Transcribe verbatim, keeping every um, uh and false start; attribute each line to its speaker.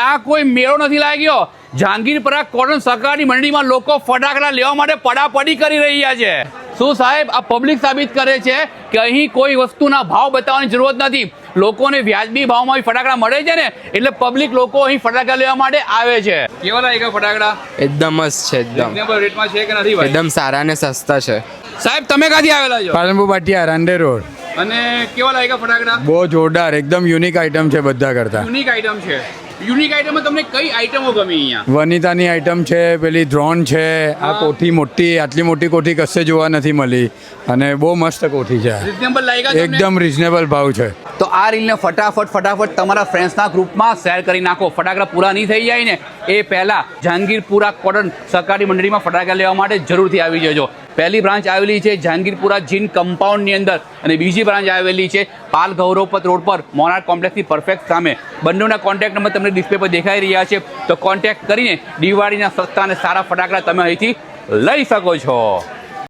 Speaker 1: આ કોઈ મેળો નથી લાગ્યો. જહાંગીરપુરા કોટન સહકારી મંડળીમાં લોકો ફટાકડા લેવા માટે પડાપડી કરી રહ્યા છે. શું સાહેબ, આ પબ્લિક સાબિત કરે છે કે અહીં કોઈ વસ્તુના ભાવ બતાવવાની જરૂરત નથી. લોકોને વ્યાજબી ભાવમાં ફટાકડા મળે છે ને, એટલે પબ્લિક લોકો અહીં ફટાકડા લેવા માટે આવે છે. કેવા લાગ્યા ફટાકડા?
Speaker 2: એકદમ મસ્ત છે, એકદમ
Speaker 1: રીઝનેબલ રેટમાં છે કે નથી ભાઈ?
Speaker 2: એકદમ સારા અને સસ્તા છે.
Speaker 1: સાહેબ, તમે ક્યાંથી આવેલા છો?
Speaker 3: પાલનપુર પાટિયા રાંડે રોડ.
Speaker 1: અને કેવા લાગ્યા ફટાકડા?
Speaker 3: બહુ જોરદાર, એકદમ યુનિક આઈટમ છે બધા કરતા.
Speaker 1: યુનિક આઈટમ છે. યુનિક આઈટમમાં તમને કઈ આઈટમો ગમી અહીંયા?
Speaker 3: વનિતાની આઈટમ છે, પેલી ડ્રોન છે, આ કોઠી મોટી, આટલી મોટી કોઠી કશે જોવા નથી મળી અને બહુ મસ્ત કોઠી છે.
Speaker 1: રીઝનેબલ લાગ્યા તમને?
Speaker 3: એકદમ રીઝનેબલ ભાવ છે.
Speaker 1: તો આ રીલને ફટાફટ ફટાફટ તમારા ફ્રેન્ડ્સના ગ્રુપમાં શેર કરી નાખો. ફટાકડા પૂરા નહીં થઈ જાય ને એ પહેલાં જહાંગીરપુરા કોટન સહકારી મંડળીમાં ફટાકડા લેવા માટે જરૂરથી આવી જજો. પહેલી બ્રાન્ચ આવેલી છે જહાંગીરપુરા જીન કમ્પાઉન્ડની અંદર અને બીજી બ્રાન્ચ આવેલી છે પાલ ગૌરવપત રોડ પર મોનાર્ક કોમ્પ્લેક્સની પરફેક્ટ સામે. બંનેના કોન્ટેક્ટ નંબર તમને ડિસ્પ્લે પર દેખાઈ રહ્યા છે, તો કોન્ટેક્ટ કરીને દિવાળીના સસ્તા અને સારા ફટાકડા તમે અહીંથી લઈ શકો છો.